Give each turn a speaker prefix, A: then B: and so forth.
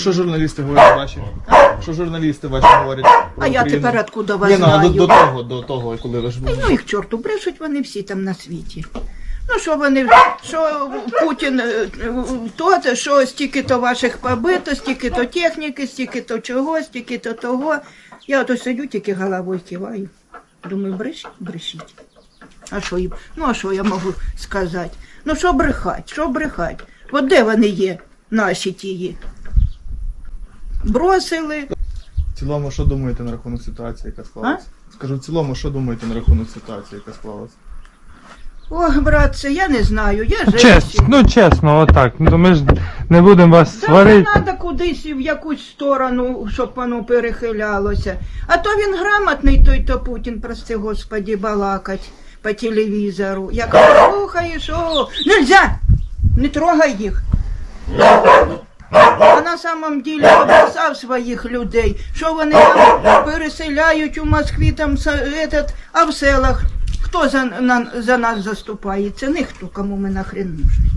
A: Що журналісти говорять ваші? Що журналісти ваші говорять?
B: А я тепер откуда вас
A: Ні, ну,
B: знаю?
A: до того, коли ви ж були.
B: Ну їх чорту, брешуть вони всі там на світі. Ну що вони, що Путін, то, що стільки-то ваших побито, стільки-то техніки, стільки-то чого, стільки-то того. Я ото сидю, тільки головою киваю. Думаю, брешіть. А що їм? Ну, а що я можу сказати? Ну, що брехать? От де вони є, наші тії? Бросили.
A: В цілому, що думаєте на рахунок ситуації, яка склалася? Скажу, в цілому, що думаєте на рахунок ситуації, яка склалася?
B: Ох, братце, я не знаю, я
C: Чесно, отак. Ну, ми ж не будемо вас
B: Та
C: сварити.
B: не треба кудись в якусь сторону, щоб воно перехилялося. А то він грамотний, той-то Путін, прости господи, балакать по телевізору. Як слухаєш, нельзя, не трогай їх. А на самом деле обросав своїх людей, що вони там переселяють у Москві, там, а в селах. Хто за нас заступається? Ніхто, кому ми нахрен нужні.